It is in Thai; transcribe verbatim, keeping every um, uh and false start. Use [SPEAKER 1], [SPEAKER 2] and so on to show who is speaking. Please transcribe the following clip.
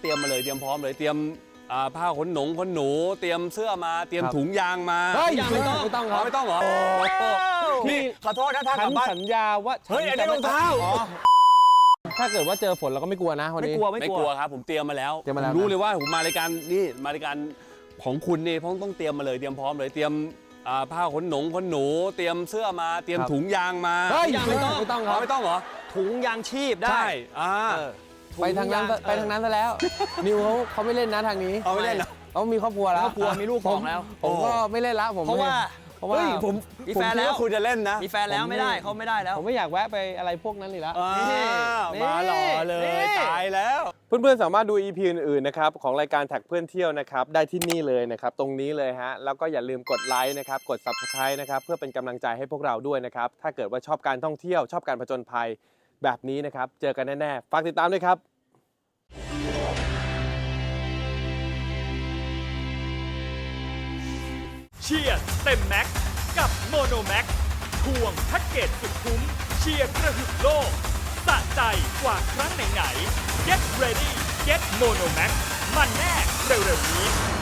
[SPEAKER 1] รียมมาเลยเตรียมพร้อมเลยเตรียมผ้าขนหนงขนหนูเตรียมเสื้อมาเตรียมถุงยางมา
[SPEAKER 2] เฮ้ยไม่ต้องไม่ต้องครับ
[SPEAKER 1] ไม่ต้องเหรอนี่ขอโทษนะท่าน
[SPEAKER 2] ฉันสัญญาว่า
[SPEAKER 1] เฮ้ยอันนี้รองเท้า
[SPEAKER 2] ถ้าเกิดว่าเจอฝนเราก็ไม่กลัวนะวันนี้
[SPEAKER 1] ไม่กลัวไม่กลัวครับผมเตรียมมาแล้วผมรู้เลยว่าผมมารายการนี่มารายการของคุณนี่เพราะต้องเตรียมมาเลยเตรียมพร้อมเลยเตรียมผ้าขนหนงขนหนูเตรียมเสื้อมาเตรียมถุงยางมา
[SPEAKER 2] เฮ้ยไม่ต้องไม่ต้องครับ
[SPEAKER 1] ไม่ต้องเหรอ
[SPEAKER 3] ถุงยางชีพได้
[SPEAKER 2] ไปทางนั้นไปทางนั้นซะแล้วนิวเขาเขาไม่เล่นนะทางนี้
[SPEAKER 1] เขาไม่เล่นนะ
[SPEAKER 2] เขามีครอบครัวแล้ว
[SPEAKER 3] ครอบครัวมีลูกสองแล้ว
[SPEAKER 2] ผมก็ไม่เล่นละผม
[SPEAKER 3] เพราะว่า
[SPEAKER 2] เพราะว่า
[SPEAKER 1] ผม
[SPEAKER 3] มีแฟนแล้ว
[SPEAKER 1] คุณจะเล่นนะ
[SPEAKER 3] มีแฟนแล้วไม่ได้เขาไม่ได้แล้ว
[SPEAKER 2] ผมไม่อยากแวะไปอะไรพวกนั้นเลยละ
[SPEAKER 1] มาหล่อเลยตายแล้ว
[SPEAKER 2] เพื่อนๆสามารถดู อี พี อื่นๆนะครับของรายการแท็กเพื่อนเที่ยวนะครับได้ที่นี่เลยนะครับตรงนี้เลยฮะแล้วก็อย่าลืมกดไลค์นะครับกด ซับสไครบ์ นะครับเพื่อเป็นกำลังใจให้พวกเราด้วยนะครับถ้าเกิดว่าชอบการท่องเที่ยวชอบการผจญภัยแบบนี้นะครับเจอกันแน่ๆฝากติดตามด้วยครับ
[SPEAKER 4] เชียร์เต็มแม็กกับโมโนแม็กควงแพ็กเกจสุดคุ้มเชียร์กระหึ่มโลกสะใจกว่าครั้งไหนๆ Get ready Get Mono Max มันแน่เร็วๆนี้